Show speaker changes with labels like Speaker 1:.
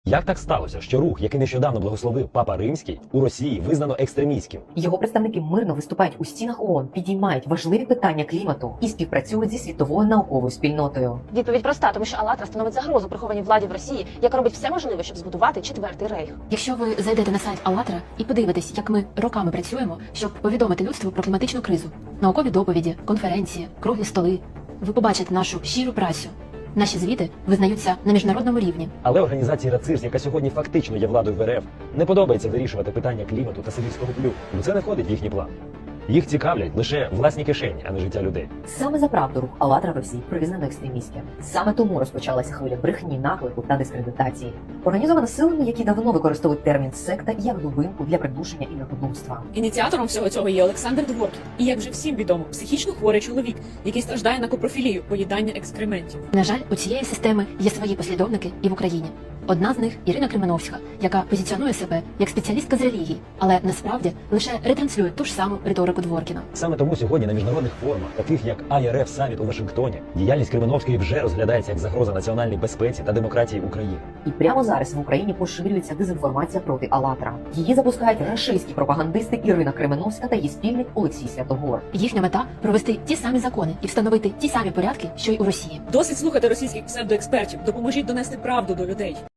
Speaker 1: Як так сталося, що рух, який нещодавно благословив Папа Римський, у Росії визнано екстремістським?
Speaker 2: Його представники мирно виступають у стінах ООН, підіймають важливі питання клімату і співпрацюють зі світовою науковою спільнотою.
Speaker 3: Відповідь проста, тому що АЛЛАТРА становить загрозу прихованій владі в Росії, яка робить все можливе, щоб збудувати четвертий рейх.
Speaker 4: Якщо ви зайдете на сайт АЛЛАТРА і подивитесь, як ми роками працюємо, щоб повідомити людству про кліматичну кризу, наукові доповіді, конференції, круглі столи, ви побачите нашу щиру працю. Наші звіти визнаються на міжнародному рівні.
Speaker 1: Але організації РАЦИРС, яка сьогодні фактично є владою в РФ, не подобається вирішувати питання клімату та сибірського плю, бо це не входить в їхній план. Їх цікавлять лише власні кишені, а не життя людей.
Speaker 2: Саме за правду рух АЛЛАТРА в Росії признано екстремістським. Саме тому розпочалася хвиля брехні, наклику та дискредитації. Організована силами, які давно використовують термін секта як глибинку для придушення і народовства.
Speaker 5: Ініціатором всього цього є Олександр Дворкін. І, як вже всім відомо, психічно хворий чоловік, який страждає на копрофілію, поїдання екскрементів.
Speaker 4: На жаль, у цієї системи є свої послідовники і в Україні. Одна з них Ірина Кременовська, яка позиціонує себе як спеціалістка з релігії, але насправді лише ретранслює ту ж саму риторику Дворкіна.
Speaker 1: Саме тому сьогодні на міжнародних форумах, таких як IRF Саміт у Вашингтоні, діяльність Кременовської вже розглядається як загроза національній безпеці та демократії України.
Speaker 2: І прямо зараз в Україні поширюється дезінформація проти АЛЛАТРА. Її запускають рашистські пропагандисти Ірина Кременовська та її спільник Олексій Святогор.
Speaker 4: Їхня мета – провести ті самі закони і встановити ті самі порядки, що й у Росії.
Speaker 5: Досить слухати російських псевдоекспертів. Допоможіть донести правду до людей.